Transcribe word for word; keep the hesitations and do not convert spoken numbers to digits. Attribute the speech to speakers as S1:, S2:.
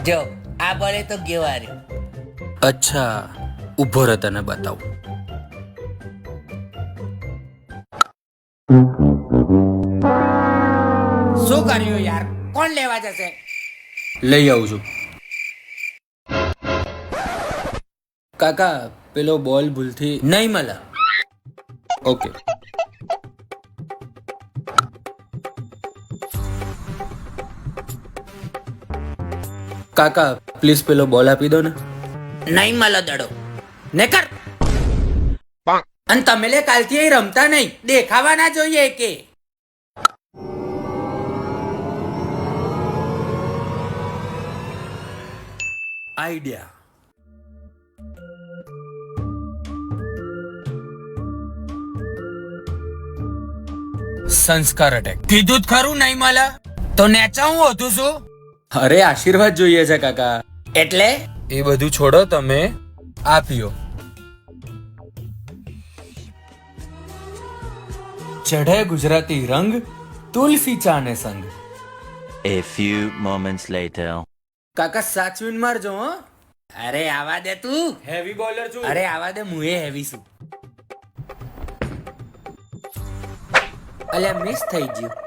S1: જો આ બોલે તો ગયો હાર્યો.
S2: અચ્છા, ઊભો રહે તને બતાવું.
S1: શું કર્યું યાર? કોણ લેવા જશે?
S2: લઈ આવું છું. કાકા, પેલો બોલ ભૂલથી નહીં મળે. ઓકે. કાકા, પ્લીઝ પેલો બોલ આપી દો ને.
S1: નહીં મળે દડો ને કર.
S2: અને તમે લે કાલથી અહીં રમતા નહીં,
S1: દેખાવા ના જોઈએ કે.
S2: આઈડિયા. સંસ્કાર અટેક.
S1: કીધું જ ખરું નહીં મળે તો નેચા હું હોતું છું.
S2: અરે આશીર્વાદ જોઈએ છે કાકા.
S1: એટલે
S2: એ બધું છોડો, તમે આ પીઓ. ચઢે ગુજરાતી રંગ, તુલસી ચા ને સંગ.
S3: A few moments later.
S2: કાકા સાચવીને મારજો હો.
S1: અરે આવા દે તું.
S2: હેવી બોલર છું.
S1: અરે આવા દે, હું એ હેવી છું.
S2: અલ્યા મિસ થઈ ગયું.